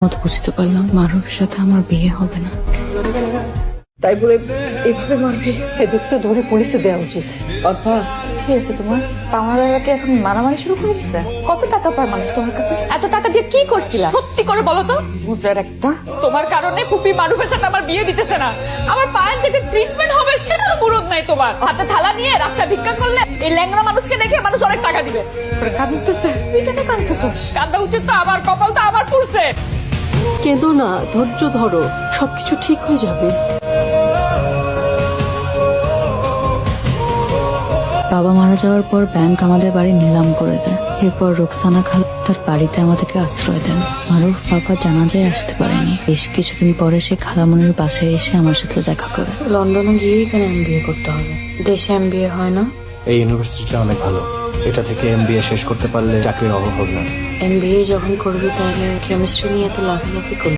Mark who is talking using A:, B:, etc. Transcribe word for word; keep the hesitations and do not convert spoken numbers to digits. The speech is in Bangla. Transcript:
A: মতো বুঝতে পারলাম মারুফের সাথে আমার বিয়ে হবে না।
B: তাই বলে এইভাবে মারবি?
A: এদিকটা ধরে পুলিশে দেওয়া উচিত।
B: অর্পা,
A: কি হয়েছে তোমার? পাওনাদারকে এখন মারামারি শুরু করে দিচ্ছে। কত টাকা পায় মানুষ তোমার কাছে? এত টাকা দিয়ে কি করছিলা? সত্যি করে বলো তো। বুঝার একটা, তোমার কারণে ফুপি মারুফের সাথে আমার বিয়ে দিতেছে না। আমার পায়ের থেকে ট্রিটমেন্ট হবে সেটার মুরদ নাই তোমার। হাতে থালা নিয়ে রাস্তা ভিক্ষা করলে এই ল্যাংড়া মানুষকে দেখে মানুষ অনেক টাকা দিবে। কাঁদতেছে, তুই কেন কাঁদতেছো? কাঁদা উচিত তো আমার, কপাল তো আমার পুড়ছে।
B: কেঁদো না, ধৈর্য ধরো, সবকিছু ঠিক হয়ে যাবে।
A: বাবা মারা যাওয়ার পর ব্যাংক আমাদের বাড়ি নিলাম করে দেয়। এরপর রোকসানা খালা তার বাড়িতে আমাদেরকে আশ্রয় দেন। মারুফ বাবা জানাজায় আসতে পারেনি। বেশ কিছুদিন পরে সে খালামনির বাসায় এসে আমার সাথে দেখা করে। লন্ডনে গিয়েই কেন এমবিএ করতে হবে? দেশে এমবিএ হয় না?
C: এই ইউনিভার্সিটিটা অনেক ভালো, এটা থেকে এমবিএ শেষ করতে পারলে চাকরির অভাব হবে না।
A: এমবিএ যখন করবি তাহলে কেমিস্ট্রি নিয়ে তো লাফালাফি করবি।